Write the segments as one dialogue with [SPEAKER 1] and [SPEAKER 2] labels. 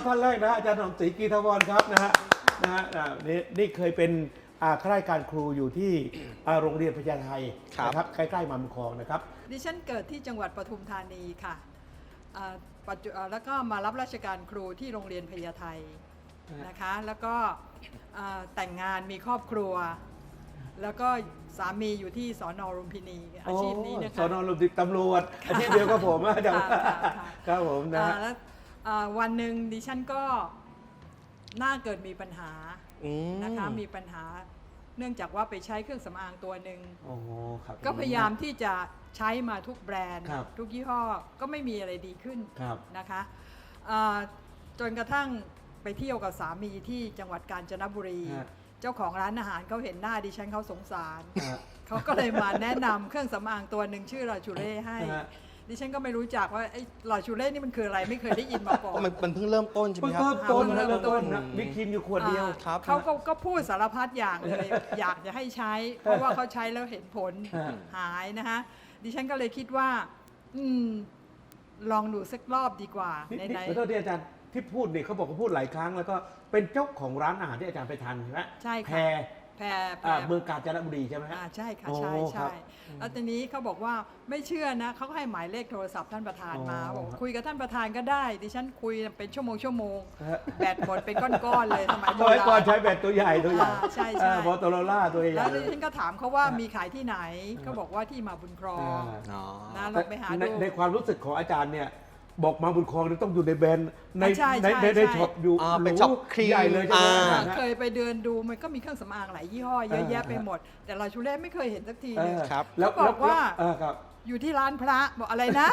[SPEAKER 1] ท่านแรกนะอาจารย์สมศรีกีทวรครับนะฮะนี่เคยเป็นข้าราชการครูอยู่ที่โรงเรียนพญาไทนะครับใกล้ๆมาบุญครองนะครับ
[SPEAKER 2] ดิฉันเกิดที่จังหวัดปทุมธานีค่ะแล้วก็มารับราชการครูที่โรงเรียนพญาไทนะคะแล้วก็แต่งงานมีครอบครัวแล้วก็สามีอยู่ที่สน.ลุมพินีอาชีพนี้นะคะ
[SPEAKER 1] สน.ลุมพินีตำรวจอาชีพเดียวกับผมอาจารย์ครับผมนะ
[SPEAKER 2] แล้ววันหนึ่งดิฉันก็น่าเกิดมีปัญหานะคะมีปัญหาเนื่องจากว่าไปใช้เครื่องสำอางตัวหนึ่งก็พยายามที่จะใช้มาทุกแบรนด์ทุกยี่ห้อก็ไม่มีอะไรดีขึ้นนะคะจนกระทั่งไปเที่ยวกับสามีที่จังหวัดกาญจนบุรีเจ้าของร้านอาหารเขาเห็นหน้าดิฉันเขาสงสารเขาก็เลยมาแนะนำเครื่องสำอางตัวหนึ่งชื่อลาชูเล่ให้ดิฉันก็ไม่รู้จักว่าไอ้ลาชูเล่นี่มันคืออะไรไม่เคยได้ยินมาก่อน
[SPEAKER 3] มันเพิ่งเริ่มต้นใช่ไหมครับ
[SPEAKER 1] เริ่มต้นนะมีครีมอยู่ขวดเดียว
[SPEAKER 2] เขาก็พูดสารพัดอย่างเลยอยากจะให้ใช้เพราะว่าเขาใช้แล้วเห็นผลหายนะคะดิฉันก็เลยคิดว่าลองดูสักรอบดีกว่า
[SPEAKER 1] ในขอโทษที่อาจารย์ที่พูดเนี่ยเขาบอกเขาพูดหลายครั้งแล้วก็เป็นเจ้าของร้านอาหารที่อาจารย์ไปทานใช่ไหม
[SPEAKER 2] ใช่
[SPEAKER 1] ค่ะแพรเมืองกาญจนบุรีใช่ไหมฮะ
[SPEAKER 2] ใช่ค่ะใช่แล้วทีนี้เขาบอกว่าไม่เชื่อนะเขาให้หมายเลขโทรศัพท์ท่านประธานมาบอกคุยกับท่านประธานก็ได้ดิฉันคุยเป็นชั่วโมงแบตหมดเป็นก้อนๆเลยสมัย
[SPEAKER 1] ก่อนใช้แบตตัวใหญ่
[SPEAKER 2] ใช่
[SPEAKER 1] มอเตอโรล่าตัวใหญ่
[SPEAKER 2] แล้วดิฉันก็ถามเขาว่ามีขายที่ไหนเขาบอกว่าที่มาบุญครองนะลองไปหาดู
[SPEAKER 1] ในความรู้สึกของอาจารย์เนี่ยบอกมาบุญครองต้องอยู่ในแบรนด์ในช็อปอยู่
[SPEAKER 3] เป็นช็อปครีม
[SPEAKER 1] ใหญ่เลยใช่ไหม
[SPEAKER 2] เคยไปเดินดูมันก็มีเครื่องสำอางหลายยี่ห้อเยอะแยะไปหมดแต่ลาชูเล่ไม่เคยเห็นสักทีเลยแล้วบอกว่าอยู่ที่ร้านพระบอกอะไรนะ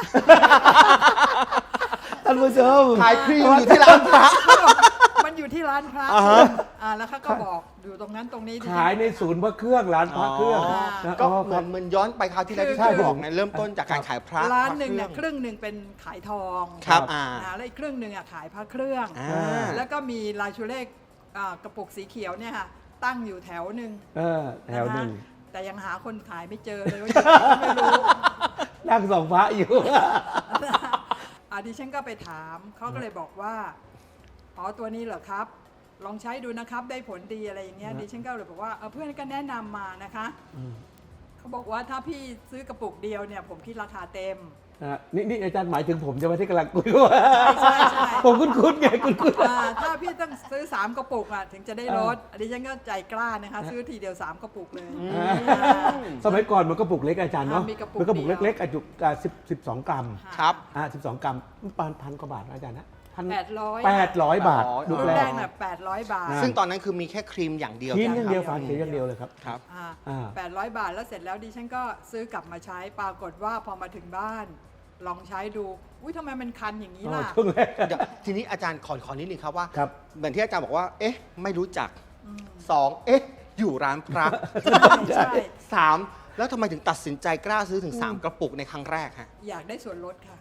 [SPEAKER 1] ท่านผู้ชม
[SPEAKER 3] ขายครีมอยู่ที่ร้านพระ
[SPEAKER 2] มันอยู่ที่ร้านพระแล้วเขาก็บอกอยู่ตรงนั้นตรงนี้
[SPEAKER 1] ขายในศูนย์พระเครื่องร้านพระเครื่อง
[SPEAKER 3] ก็เหมือนย้อนไปคราวที่แล้วที่ท่านบอกนะเริ่มต้นจากการขายพระ
[SPEAKER 2] ร้านหนึ่งเนี่ยครึ่งหนึ่งเป็นขายทอง
[SPEAKER 3] ครับ
[SPEAKER 2] แล้วอีกครึ่งหนึ่งขายพระเครื่องแล้วก็มีลาชูเล่กระปุกสีเขียวเนี่ยค่ะตั้งอยู่แถวหนึ่งแต่ยังหาคนขายไม่เจอเลยว่าไม่รู้
[SPEAKER 1] นั่งส่องพระอยู่
[SPEAKER 2] ดิฉันก็ไปถามเขาก็เลยบอกว่าตัวนี้เหรอครับลองใช้ดูนะครับได้ผลดีอะไรอย่างเงี้ยดิฉันก็เลยบอกว่าเพื่อนก็แนะนำมานะคะเขาบอกว่าถ้าพี่ซื้อกระปุกเดียวเนี่ยผมคิดราคาเต็ม
[SPEAKER 1] นี่อาจารย์หมายถึงผมจะมาที่กำลังคุยว่า
[SPEAKER 2] ใช่
[SPEAKER 1] ผมคุ้นไงคุ้น
[SPEAKER 2] ถ้าพี่ต้องซื้อ3กระปุกถึงจะได้ลดดิฉันก็ใจกล้านะคะซื้อทีเดียว3กระปุกเลย
[SPEAKER 1] สมัยก่อนมันกระปุกเล็กอาจารย์เนาะมันกระปุกเล็กๆจุ12 กรัม
[SPEAKER 3] ครับ
[SPEAKER 1] 12 กรัมพันกว่าบาทอาจารย์นะ
[SPEAKER 2] 800
[SPEAKER 1] บาท
[SPEAKER 2] ลูกแรกน่ะ800 บาท
[SPEAKER 3] ซึ่งตอนนั้นคือมีแค่ครีมอย่างเดียว
[SPEAKER 1] ครีมอย่างเดียวฝาเขียวอย่างเดียวเลยครับ
[SPEAKER 2] 800 บาทแล้วเสร็จแล้วดิฉันก็ซื้อกลับมาใช้ปรากฏว่าพอมาถึงบ้านลองใช้ดูอุ้ยทำไมมันคันอย่างนี้ล่ะ
[SPEAKER 3] ทีนี้อาจารย์ขอนิดนึงครับว่าเหมือนที่อาจารย์บอกว่าไม่รู้จัก2อยู่ร้านพระ3แล้วทำไมถึงตัดสินใจกล้าซื้อถึง3กระปุกในครั้งแรกฮะ
[SPEAKER 2] อยากได้ส่วนลดค่ะ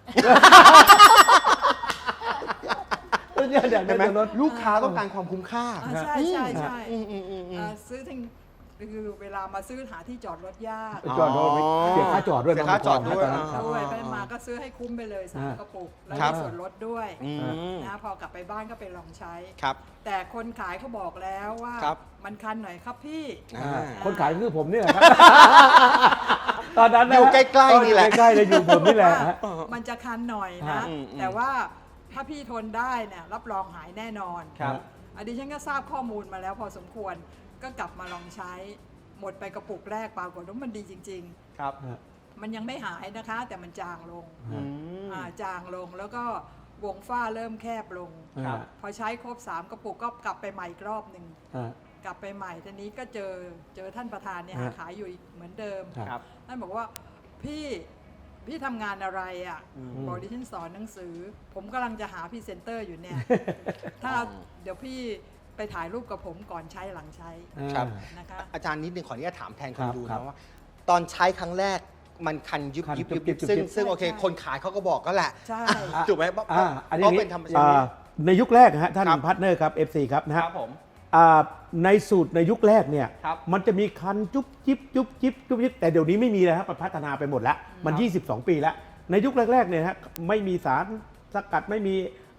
[SPEAKER 1] ใช่ไหม
[SPEAKER 3] ลูกค้าต้องการความคุ้มค่า
[SPEAKER 2] ใช่ซื้อถึงคือเวลามาซื้อหาที่จอดรถยาก
[SPEAKER 1] จอดรถเสียค่าจอดด้วย
[SPEAKER 2] ไปมาก็ซื้อให้คุ้มไปเลย3กระปุกแล้วได้ส่วนลดด้วยนะพอกลับไปบ้านก็ไปลองใช้แต่คนขายเขาบอกแล้วว่ามันคันหน่อยครับพี่
[SPEAKER 1] คนขายคือผมนี่แหละตอนนั้น
[SPEAKER 3] อยู่ใกล้ๆนี่แหละ
[SPEAKER 1] ใกล้ๆเลยอยู่ผมนี่แหละ
[SPEAKER 2] มันจะคันหน่อยนะแต่ว่าถ้าพี่ทนได้เนี่ยรับรองหายแน่นอนดิฉันก็ทราบข้อมูลมาแล้วพอสมควรก็กลับมาลองใช้หมดไปกระปุกแรกปรากฏว่ามันดีจริง
[SPEAKER 3] ๆครับ
[SPEAKER 2] มันยังไม่หายนะคะแต่มันจางลงจางลงแล้วก็วงฝ้าเริ่มแคบลงพอใช้ครบ3กระปุกก็กลับไปใหม่อีกรอบหนึ่งกลับไปใหม่ทีนี้ก็เจอท่านประธานเนี่ยขายอยู่เหมือนเดิมท่านบอกว่าพี่ทำงานอะไรบอกดิฉันสอนหนังสือผมกำลังจะหาพรีเซนเตอร์อยู่เนี่ยถ้าเดี๋ยวพี่ไปถ่ายรูปกับผมก่อนใช้หลังใช้
[SPEAKER 3] นะคะอาจารย์นิดนึงขออนุญาตถามแทนคนดูนะว่าตอนใช้ครั้งแรกมันคันยุบซึ่งโอเคคนขายเขาก็บอกก็แหละถูกไหม
[SPEAKER 1] อันนี้เป็นธรรมชาติในยุคแรกฮะท่านพาร์ทเนอร์ครับ FC ครับนะครับ
[SPEAKER 3] ผม
[SPEAKER 1] ในสูตรในยุคแรกเนี่ยมันจะมีคันจุ๊บจิ๊บแต่เดี๋ยวนี้ไม่มีแล้วครับพัฒนาไปหมดแล้วมัน22 ปีแล้วในยุคแรกๆเนี่ยฮะไม่มีสารสกัดไม่มี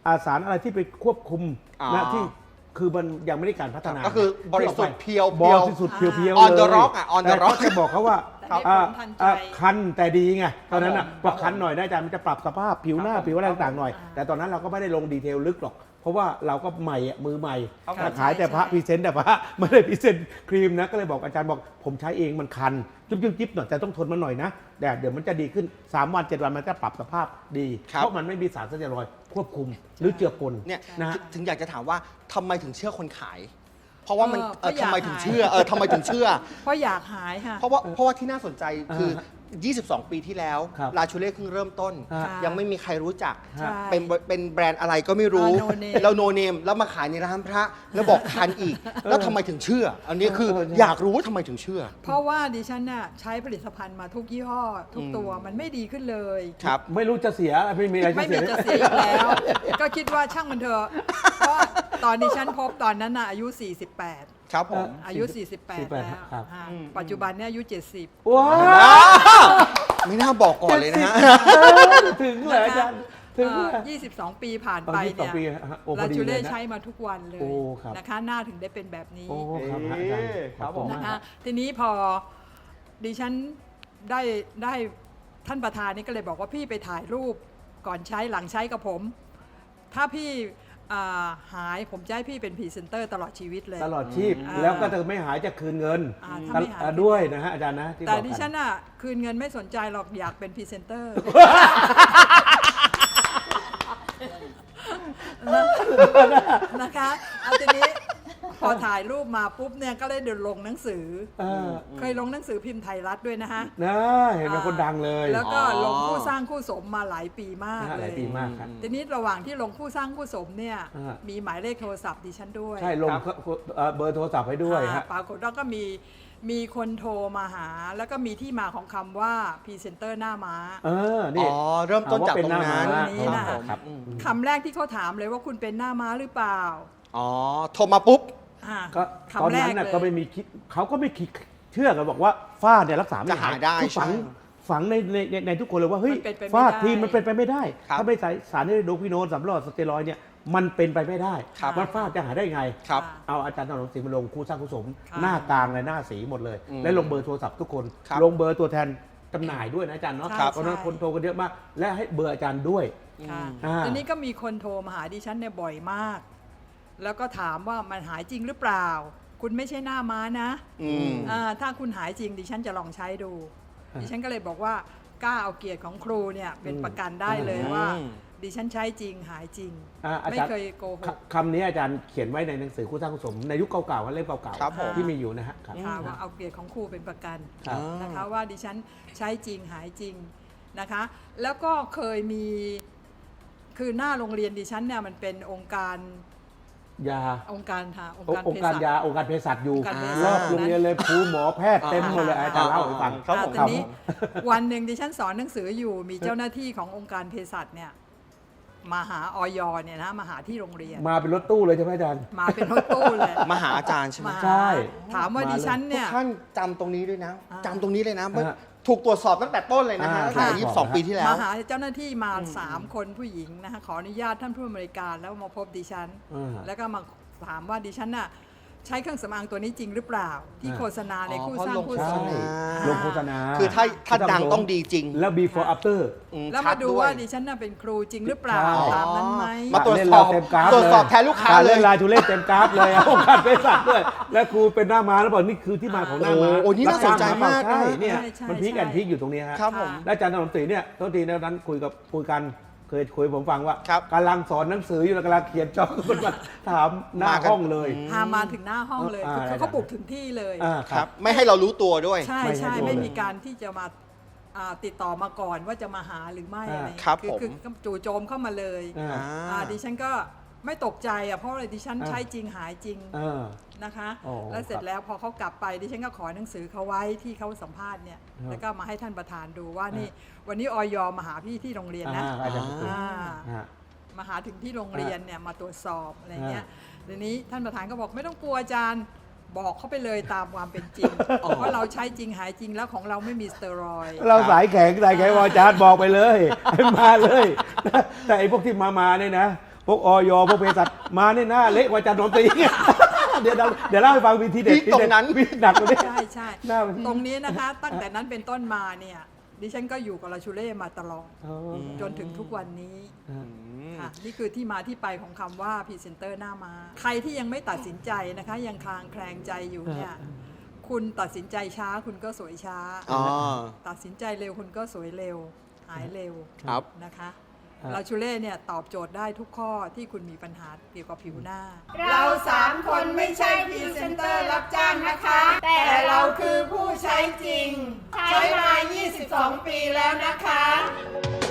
[SPEAKER 1] สารอะไรที่ไปควบคุม
[SPEAKER 3] อ๋อ
[SPEAKER 1] นะที่คือมันยังไม่ได้การพัฒนา
[SPEAKER 3] ก็คือบริสุทธิ์เพียว
[SPEAKER 1] บริสุทธิ์เพียวๆ
[SPEAKER 3] On the
[SPEAKER 1] เลย
[SPEAKER 3] rock อ่ะ on the
[SPEAKER 1] แต่
[SPEAKER 3] rock
[SPEAKER 1] เขาจะบอกเขาว่า
[SPEAKER 2] แต่ได้ผลทันใจ
[SPEAKER 1] คันแต่ดีไงตอนนั้นอ่ะ
[SPEAKER 3] ครับผม
[SPEAKER 1] ว่าคันหน่อยนะอาจารย์มันจะปรับสภาพผิวหน้า
[SPEAKER 3] ครับผม
[SPEAKER 1] ผิวอะไรต่างๆหน่อย แต่ตอนนั้นเราก็ไม่ได้ลงดีเทลลึกหรอก เพราะว่าเราก็ใหม่อะมือใหม่
[SPEAKER 3] ครับผม
[SPEAKER 1] ขายแต่พระ
[SPEAKER 2] ใช่
[SPEAKER 1] พรีเซนต์แต่พระ ไม่ได้พรีเซนต์ครีมนะก็เลยบอกอาจารย์บอกผมใช้เองมันคันจิ๊บๆหน่อยแต่ต้องทนมันหน่อยนะแต่เดี๋ยวมันจะดีขึ้น3 วัน7 วันมันจะปรับสภาพดี
[SPEAKER 3] ครับ
[SPEAKER 1] เพราะมันไม่มีสารสเตียรอยด์ควบคุมหรือเจือปน
[SPEAKER 3] เนี่ย
[SPEAKER 1] นะฮะ
[SPEAKER 3] ถึงอยากจะถามว่าทำไมถึงเชื่อคนขาย เพราะว่ามัน
[SPEAKER 2] เพราะอยาก
[SPEAKER 3] ทำไมถึง
[SPEAKER 2] หาย
[SPEAKER 3] เชื่อทำไมถึงเชื่อ
[SPEAKER 2] เพราะอยากหายค่ะ
[SPEAKER 3] เพราะว่าที่น่าสนใจคือ 22 ปีที่แล้ว
[SPEAKER 1] ครับ
[SPEAKER 3] ลาชูเล่เพิ่งเริ่มต้น
[SPEAKER 1] ค่ะ
[SPEAKER 3] ยังไม่มีใครรู้จัก
[SPEAKER 2] ใช่
[SPEAKER 3] เป็นแบรนด์อะไรก็ไม่รู้
[SPEAKER 2] no name
[SPEAKER 3] แล้วโนเนมแล้วมาขายในร้านพระ แล้วบอกทันอีก แล้วทำไมถึงเชื่อ อันนี้คือ
[SPEAKER 1] เออใช่
[SPEAKER 3] อยากรู้ว่าทำไมถึงเชื่อ
[SPEAKER 2] เพราะว่าดิฉันน่ะใช้ผลิตภัณฑ์มาทุกยี่ห้อ ทุกตัวมันไม่ดีขึ้นเลย
[SPEAKER 3] ครับ
[SPEAKER 1] ไม่รู้จะเสียไม่มีอะไรจะ
[SPEAKER 2] ไม่
[SPEAKER 1] เสี
[SPEAKER 2] มี
[SPEAKER 1] ย
[SPEAKER 2] จะเสียอีกแล้ว ก็คิดว่าช่างมันเถอะเพราะตอนดิฉันพบตอนนั้นน่ะอายุ 48
[SPEAKER 3] ครับผม
[SPEAKER 2] อายุ 48 แล้ว
[SPEAKER 1] ครับ
[SPEAKER 2] อ่า
[SPEAKER 3] อืม
[SPEAKER 2] ปัจจุบันเนี่ยอายุ 70
[SPEAKER 1] ว้า
[SPEAKER 3] ไม่น่าบอกก่อนเลยนะฮะ
[SPEAKER 1] ถึงเลยอาจารย์ถึงเลย
[SPEAKER 2] 22 ปีผ่านไปเนี่ย
[SPEAKER 1] 22ปีฮะโอ้พ
[SPEAKER 2] ลา
[SPEAKER 1] อดี
[SPEAKER 2] จู
[SPEAKER 1] เล
[SPEAKER 2] เล่
[SPEAKER 1] ยนะ
[SPEAKER 2] ใช้มาทุกวันเลย
[SPEAKER 1] โอ้ครับ
[SPEAKER 2] นะคะหน้าถึงได้เป็นแบบนี้
[SPEAKER 1] โอ้ครับอาจารย์
[SPEAKER 3] ครับผม
[SPEAKER 1] ขอ
[SPEAKER 2] นะ
[SPEAKER 1] ณ
[SPEAKER 2] คะ
[SPEAKER 1] มาก
[SPEAKER 2] ทีนี้พอดิฉันได้ท่านประธานนี่ก็เลยบอกว่าพี่ไปถ่ายรูปก่อนใช้หลังใช้กับผม ถ้าพี่หายผมจะให้พี่เป็นพรีเซนเตอร์ตลอดชีวิตเลย
[SPEAKER 1] ตลอดชีพ
[SPEAKER 2] อ่า
[SPEAKER 1] แล้วก็จะไม่หายจะคืนเงิน
[SPEAKER 2] ถ้าไม่หาย
[SPEAKER 1] ด้วยนะฮะอาจารย์นะที่
[SPEAKER 2] แต่
[SPEAKER 1] บอก
[SPEAKER 2] ดิ
[SPEAKER 1] กั
[SPEAKER 2] ฉันอ่ะคืนเงินไม่สนใจหรอกอยากเป็นพรีเซนเตอร์ นะคะเอาทีนี้พอถ่ายรูปมาปุ๊บเนี่ยก็เลยเดินลงหนังสือ เคยลงหนังสือพิมพ์ไทยรัฐด้วยนะคะ
[SPEAKER 1] นะเห็นเป็นคนดังเลย
[SPEAKER 2] แล้วก็
[SPEAKER 3] อ๋อ
[SPEAKER 2] ลงคู่สร้างคู่สมมาหลายปีมาก
[SPEAKER 1] นะฮะห
[SPEAKER 2] เล
[SPEAKER 1] ลาย
[SPEAKER 2] ย
[SPEAKER 1] ปีมากครับ
[SPEAKER 2] ทีนี้ระหว่างที่ลงคู่สร้างคู่สมเนี่ย
[SPEAKER 1] อ่ามี
[SPEAKER 2] มีหมายเลขโทรศัพท์ดิฉันด้วย
[SPEAKER 1] ใช่ลงเบอร์โทรศัพท์ให้ด้วยฮะ
[SPEAKER 2] ปรากฏว่าก็มีคนโทรมาหา แล้วก็มีที่มาของคำว่าพรีเซนเตอร์หน้าม้า
[SPEAKER 1] นี่
[SPEAKER 3] อ๋อ เริ่มต้นจากตรงนั้น
[SPEAKER 1] ว่า
[SPEAKER 2] นี่
[SPEAKER 1] เป็นห
[SPEAKER 2] นะ
[SPEAKER 1] น้าม้าครับ
[SPEAKER 2] คำแรกที่เขาถามเลยว่าคุณเป็นหน้าม้าหรือเปล่า
[SPEAKER 3] อ๋อ โทรมาปุ๊บ
[SPEAKER 2] อ่า
[SPEAKER 1] ก็ตอน
[SPEAKER 2] คำแร
[SPEAKER 1] นั้
[SPEAKER 2] ก
[SPEAKER 1] นน่ะ
[SPEAKER 2] เลย
[SPEAKER 1] ก็ไม่มีคิดเขาก็ไม่คิดเชื่อกันบอกว่าฝ้าเนี่ยรักษาไม่
[SPEAKER 3] จะหายได้
[SPEAKER 1] คือฝัง
[SPEAKER 3] ใช่
[SPEAKER 1] ฝังในทุกคนเลยว่าเฮ้ย
[SPEAKER 2] มันเป็นไปไม่
[SPEAKER 1] ฝ้า
[SPEAKER 2] ได้
[SPEAKER 1] ทีมันเป็นไปไม่ได้
[SPEAKER 3] ครับ
[SPEAKER 1] ถ้าไม่ใส่สารไฮโดรควิโนนสำรอดสเตียรอยด์เนี่ยมันเป็นไปไม่ได้
[SPEAKER 3] ครับ
[SPEAKER 1] มันฝ้าจะหายได้ไง
[SPEAKER 3] ครับ
[SPEAKER 1] เอาอาจารย์ถนอมศรีมาลงคู่สร้างคู่สม
[SPEAKER 2] ค่ะ
[SPEAKER 1] หน้ากลางเลยหน้าสีหมดเลย
[SPEAKER 3] อืม
[SPEAKER 1] และลงเบอร์โทรศัพท์ทุกคน
[SPEAKER 3] ครับ
[SPEAKER 1] ลงเบอร์ตัวแทนจำหน่ายด้วยนะอาจารย์เนาะ
[SPEAKER 2] ใช่
[SPEAKER 1] เพราะฉะนั้นคนโทรกันเยอะมาก และให้เบอร์อาจารย์ด้วย
[SPEAKER 2] ค่ะ
[SPEAKER 1] อ่า
[SPEAKER 2] ทีนี้ก็มีคนโทรมาหาดิฉันเนี่ยบ่อยมาก แล้วก็ถามว่ามันหายจริงหรือเปล่า คุณไม่ใช่หน้าม้านะ
[SPEAKER 3] อืม
[SPEAKER 2] ถ้าคุณหายจริงดิฉันจะลองใช้ดู
[SPEAKER 1] อ่า
[SPEAKER 2] ดิฉันก็เลยบอกว่ากล้าเอาเกียรติของครูเนี่ยเป็นประกันได้เลย
[SPEAKER 3] อืม
[SPEAKER 2] ว่า ดิฉันใช้จริงหายจริง
[SPEAKER 1] อา
[SPEAKER 2] ไม่
[SPEAKER 1] จารย์
[SPEAKER 2] เคยโกหก
[SPEAKER 1] คำนี้อาจารย์เขียนไว้ในหนังสือคู่สร้างคู่สมในยุคเก่าๆเล่มเก่า
[SPEAKER 3] ครับผม
[SPEAKER 1] ๆที่มีอยู่นะฮะครับ
[SPEAKER 2] ค่ะว่าเอาเกียรติของครูเป็นประกัน
[SPEAKER 1] ครับ
[SPEAKER 2] นะคะว่าดิฉันใช้จริงหายจริงนะคะ แล้วก็เคยมีคือหน้าโรงเรียนดิฉันเนี่ยมันเป็นองค์การ
[SPEAKER 1] ยา
[SPEAKER 2] องค์การค่ะองค์
[SPEAKER 1] องค์การยาองค์การเภสัชอยู่
[SPEAKER 2] องค์การเภสัช
[SPEAKER 1] รอบโรงเรียนเลยครูหมอแพทย์เต็มหมดเลยอาจารย์เล่าให้ฟัง
[SPEAKER 3] ครับผม
[SPEAKER 2] ตอนนี้วันหนึ่งดิฉันสอนหนังสืออยู่มีเจ้าหน้าที่ขององค์การเภสัชเนี่ยมาหาออยเนี่ยนะมาหาที่โรงเรียน
[SPEAKER 1] มาเป็นรถตู้เลยใช่ไหมอาจารย์
[SPEAKER 2] มาเป็นรถตู้เลย
[SPEAKER 3] มาหาอาจารย์ใช่ไหม
[SPEAKER 2] มา
[SPEAKER 1] ใช่
[SPEAKER 2] ถามว่า
[SPEAKER 1] มาเลย
[SPEAKER 2] ดิฉัน
[SPEAKER 3] ทุ
[SPEAKER 2] เนี่
[SPEAKER 3] ก
[SPEAKER 2] ย
[SPEAKER 3] ท่านจำตรงนี้ด้วยนะ
[SPEAKER 2] อ่า
[SPEAKER 3] จำตรงนี้เลยนะ
[SPEAKER 1] อ่า
[SPEAKER 3] ถูกตรวจสอบตั้งแต่ต้นเลยนะฮะ
[SPEAKER 1] อ่า
[SPEAKER 3] ตั้งแต่
[SPEAKER 1] ใช่
[SPEAKER 3] 22 ปีที่แล้ว
[SPEAKER 2] มาหาเจ้าหน้าที่มา3 คนผู้หญิงนะคะขออนุญาตท่านผู้อำนวยการแล้วมาพบดิฉัน แล้วก็มาถามว่าดิฉันน่ะใช้เครื่องสำอางตัวนี้จริงหรือเปล่า ที่โฆษณาในคู่สร้างคู่สม
[SPEAKER 1] ใช่
[SPEAKER 3] อ่า
[SPEAKER 1] ลงโฆษณา
[SPEAKER 3] คือถ้าดังต้องดีจริง
[SPEAKER 1] แล้ว before after
[SPEAKER 2] แล้ว
[SPEAKER 3] ชั
[SPEAKER 2] มาดู
[SPEAKER 3] ย
[SPEAKER 2] ว่าดิฉันน่ะเป็นครูจริงหรือเปล่า
[SPEAKER 1] ใช่
[SPEAKER 2] ตามนั้นไหม
[SPEAKER 3] มาตรวจ
[SPEAKER 1] เล่น
[SPEAKER 3] สอบ
[SPEAKER 1] เต็มกราฟ
[SPEAKER 3] ตรวจสอบ
[SPEAKER 1] เลย
[SPEAKER 3] แทนลูกค้าเลย
[SPEAKER 1] เล่นลายทุเล่เต็มกราฟเลยองค์การเภสัชด้วย และครูเป็นหน้าม้าแล้วบอกนี่คือที่มาของหน้าม้า
[SPEAKER 3] โอ้นี่น่าสนใจมาก
[SPEAKER 1] ใช่
[SPEAKER 3] นะ
[SPEAKER 1] เนี่ย
[SPEAKER 2] ใช่
[SPEAKER 1] มันพีคแอนพีคอยู่ตรงนี้ฮะ
[SPEAKER 3] ครับผม
[SPEAKER 1] และอาจารย์ถนอมศรีเนี่ยโทษทีนะนั้นคุยกันเคยคุยผมฟังว่า
[SPEAKER 3] ครับ
[SPEAKER 1] กำลังสอนหนังสืออยู่แล้วกำลังเขียนจ็อกคนมาถามหน้า
[SPEAKER 3] มากัน
[SPEAKER 1] ห้องเลย
[SPEAKER 2] พามาถึงหน้าห้องเลย
[SPEAKER 1] อ่า
[SPEAKER 2] คือเขาบุกถึงที่เลย
[SPEAKER 3] ครับ ไม่ให้เรารู้ตัวด้วย
[SPEAKER 2] ใช่
[SPEAKER 1] ไม่
[SPEAKER 2] ใช่
[SPEAKER 1] ให้ดู
[SPEAKER 2] ไม่
[SPEAKER 1] เลย
[SPEAKER 2] มีการที่จะมาติดต่อมาก่อนว่าจะมาหาหรือไม่อะไร
[SPEAKER 3] ครับ
[SPEAKER 2] คือ
[SPEAKER 3] ผม
[SPEAKER 2] คือจู่โจมเข้ามาเลย
[SPEAKER 1] อ่า
[SPEAKER 2] ดิฉันก็ไม่ตกใจเพราะอะไรดิฉัน
[SPEAKER 1] อ่า
[SPEAKER 2] ใช้จริงหายจริง
[SPEAKER 1] เออ
[SPEAKER 2] นะคะ
[SPEAKER 1] อ๋อ
[SPEAKER 2] แล้วเสร็
[SPEAKER 1] ค
[SPEAKER 2] จ
[SPEAKER 1] รับ
[SPEAKER 2] แล้วพอเขากลับไปดิฉันก็ขอหนังสือเขาไว้ที่เขาสัมภาษณ์เนี่ย
[SPEAKER 1] ครับ
[SPEAKER 2] แล้วก็มาให้ท่านประธานดูว่านี่วันนี้ออยมาหาพี่ที่โรงเรียนนะ
[SPEAKER 1] อาจารย์ถนอมศรี
[SPEAKER 2] อ่า
[SPEAKER 1] ฮะ
[SPEAKER 2] มาหาถึงที่โรงเรียนเนี่ยมาตรวจสอบอะไรเงี้ยทีนี้ท่านประธานก็บอกไม่ต้องกลัวอาจารย์บอกเขาไปเลยตามความเป็นจริงเพราะเราใช้จริงหายจริงแล้วของเราไม่มีสเตียรอยด์
[SPEAKER 1] เราสายแข็งว่าอาจารย์บอกไปเลยให้มาเลย แต่ไอ้พวกที่มาเนี่ยนะพวกอยพวกเภสัชมาเนี่ยหน้าเละกว่าอาจารย์ดนตรี เดี๋ยวเล่าให้ฟังวิธีเด็ด
[SPEAKER 3] ตรงนั้น
[SPEAKER 1] วิธีหนักกว่านี้
[SPEAKER 2] ใช่ใช่
[SPEAKER 1] หน้าวิธี
[SPEAKER 2] ตรงนี้นะคะ ตั้งแต่นั้นเป็นต้นมาเนี่ยดิฉันก็อยู่กับลาชูเล่มาตลอด
[SPEAKER 1] อ๋อ
[SPEAKER 2] จนถึงทุกวันนี้
[SPEAKER 1] อ่า
[SPEAKER 2] ค่ะนี่คือที่มาที่ไปของคำว่าพรีเซนเตอร์หน้ามาใครที่ยังไม่ตัดสินใจนะคะ ยังคลางแคลงใจอยู่เนี่ยคุณตัดสินใจช้าคุณก็สวยช้า
[SPEAKER 3] อ๋อ
[SPEAKER 2] ตัดสินใจเร็วคุณก็สวยเร็ว หายเร็ว
[SPEAKER 3] ครับ
[SPEAKER 2] นะคะ
[SPEAKER 1] ครับ
[SPEAKER 2] ลาชูเล่เนี่ยตอบโจทย์ได้ทุกข้อที่คุณมีปัญหาเกี่ยวกับผิวหน้า
[SPEAKER 4] เรา3 คนไม่ใช่พรีเซนเตอร์รับจ้างนะคะ แต่เราคือผู้ใช้จริง ใช้มา 22 ปีแล้วนะคะ